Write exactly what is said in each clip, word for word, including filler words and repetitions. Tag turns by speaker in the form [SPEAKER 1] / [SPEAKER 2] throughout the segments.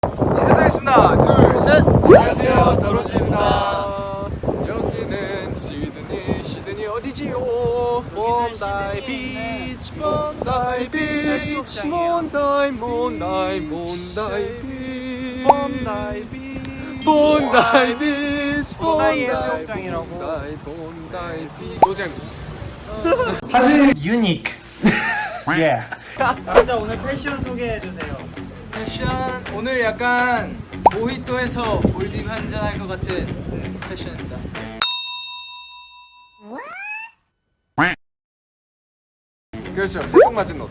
[SPEAKER 1] 인사드리겠습니다. 둘, 셋. 안녕하세요, 더로지입니다. 여기는 시드니, 시드니 어디지요? 몬다이 비치, 몬다이 비치, 몬다이, 몬다이, 몬다이 비치, 몬다이 비치, 몬다이 비치,
[SPEAKER 2] 몬다이 해수욕장이라고.
[SPEAKER 1] 몬다이, 몬다이 비치. 노잼.
[SPEAKER 2] 사실 유니크. 예. 남자 오늘 패션 소개해 주세요.
[SPEAKER 3] 패션 오늘 약간 모히또에서 몰디브 한잔 할 것 같은 패션입니다.
[SPEAKER 1] 그렇죠. 새똥 맞은 옷.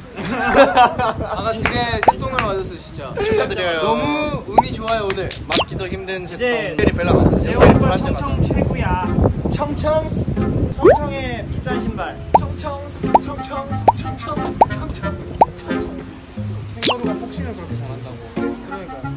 [SPEAKER 3] 아까 되게 새똥을 맞았어 진짜.
[SPEAKER 1] 축하드려요.
[SPEAKER 3] 너무 운이 좋아요 오늘.
[SPEAKER 1] 맞기도 힘든 새똥.
[SPEAKER 2] 이제
[SPEAKER 1] 벨이 벨라 맞아.
[SPEAKER 2] 내 얼굴 청청 최고야.
[SPEAKER 3] 청청
[SPEAKER 2] 청청의 비싼 신발.
[SPEAKER 3] 청청 청청 청청 청청 청청.
[SPEAKER 1] 캥거루가 복싱을 그렇게 잘한다고.
[SPEAKER 2] 그러니까.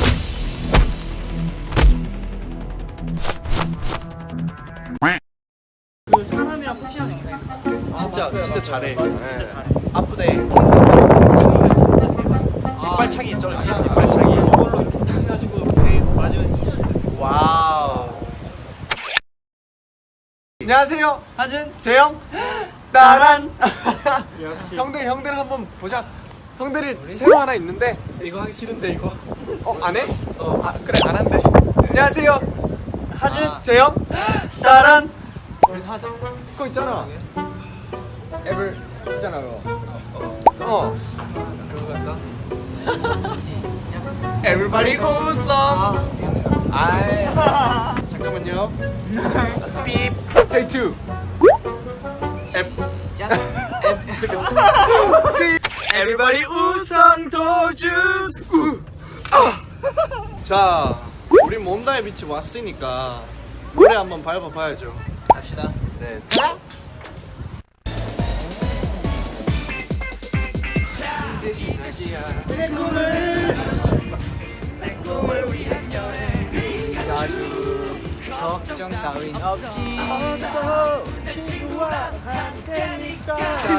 [SPEAKER 2] 그 사람이랑 폭시하는 영상이 봤어요.
[SPEAKER 1] 진짜 진짜 잘해.
[SPEAKER 2] 진짜 잘해.
[SPEAKER 1] 아프대.
[SPEAKER 2] 자기가 진짜 대박.
[SPEAKER 1] 뒷발차기 있잖아. 뒷발차기.
[SPEAKER 2] 이걸로 이렇게 탁 해가지고 배 맞으면 진짜 잘해.
[SPEAKER 1] 와우. 안녕하세요.
[SPEAKER 2] 하준.
[SPEAKER 1] 재영. 따란.
[SPEAKER 2] 역시.
[SPEAKER 1] 형들 형들 한번 보자. 형들이 새로 하나 있는데
[SPEAKER 3] 이거 하기 싫은데 이거.
[SPEAKER 1] 어 안 해? 어 아, 그래 안 한대. 안녕하세요.
[SPEAKER 2] 하준.
[SPEAKER 1] 아, 재영.
[SPEAKER 2] 따란.
[SPEAKER 3] 우리 하자.
[SPEAKER 1] 그거 있잖아. 앱을 있잖아 그거. 어.
[SPEAKER 3] 그거 갈까?
[SPEAKER 1] Everybody 웃어. 아이. 잠깐만요. 삐. Take two. 앱. Everybody 우성 도준. 우. 아. 자, 우리 몬다이 비치 왔으니까 노래 한번 밟아봐야죠.
[SPEAKER 3] 갑시다.
[SPEAKER 1] 네. 이제 시작이야.
[SPEAKER 2] 내 꿈을.
[SPEAKER 3] 내 꿈을 위한 여행. 아주 걱정 따윈 없지.
[SPEAKER 2] 어서 친구와 함께니까.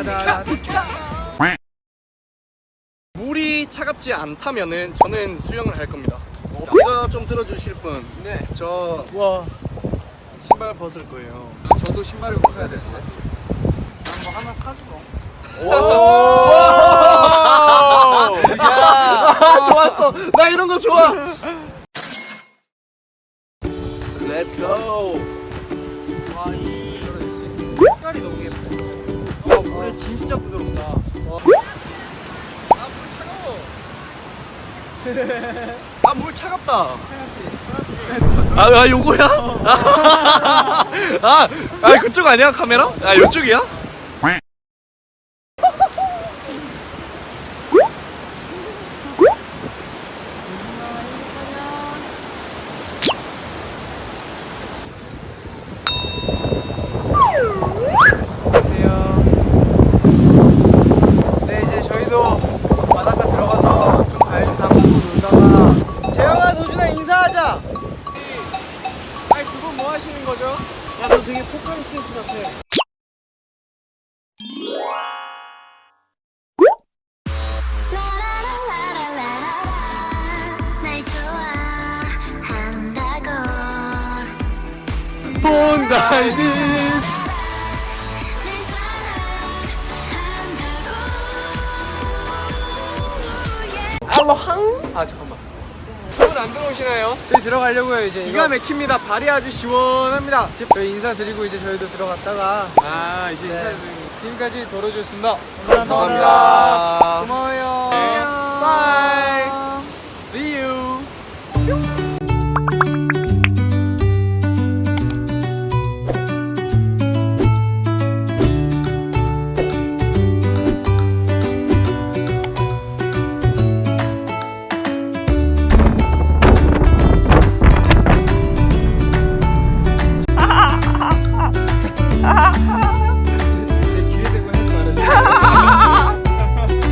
[SPEAKER 1] 물이 차갑지 않다면은 저는 수영을 할 겁니다. 이거 좀 들어주실 분. 네. 저
[SPEAKER 2] 와.
[SPEAKER 1] 신발 벗을 거예요. 저도 신발을 벗어야 되는데.
[SPEAKER 2] 뭐 하나 사주고.
[SPEAKER 1] 오! 좋았어. 나 이런 거 좋아. Let's go.
[SPEAKER 2] 와, 이 색깔이 너무 예뻐. 와, 물에 진짜 부드럽다.
[SPEAKER 1] 아, 물 차갑다. 아, 아 요거야? 아, 아, 그쪽 아니야 카메라? 아, 요쪽이야?
[SPEAKER 3] 안녕하세요. 네 이제 저희도 바닷가 들어가서 좀 발 담그고 놀다가 재영아 도준아 인사하자.
[SPEAKER 1] 아니, 두 분 뭐 하시는 거죠?
[SPEAKER 2] 야, 너 되게 포카리스트 같아.
[SPEAKER 4] 날 좋아한다고
[SPEAKER 1] 몬다이 비치.
[SPEAKER 4] 날 사랑한다고
[SPEAKER 1] 알로항? 아, 잠깐만. 두분 안 들어오시나요?
[SPEAKER 3] 저희 들어가려고요 이제.
[SPEAKER 1] 기가 막힙니다. 발이 아주 시원합니다.
[SPEAKER 3] 저희 인사드리고 이제 저희도 들어갔다가
[SPEAKER 1] 아, 이제
[SPEAKER 3] 네.
[SPEAKER 1] 인사드리고 지금까지 도로주였습니다.
[SPEAKER 2] 감사합니다.
[SPEAKER 1] 감사합니다.
[SPEAKER 3] 고마워요.
[SPEAKER 1] 네. 바이.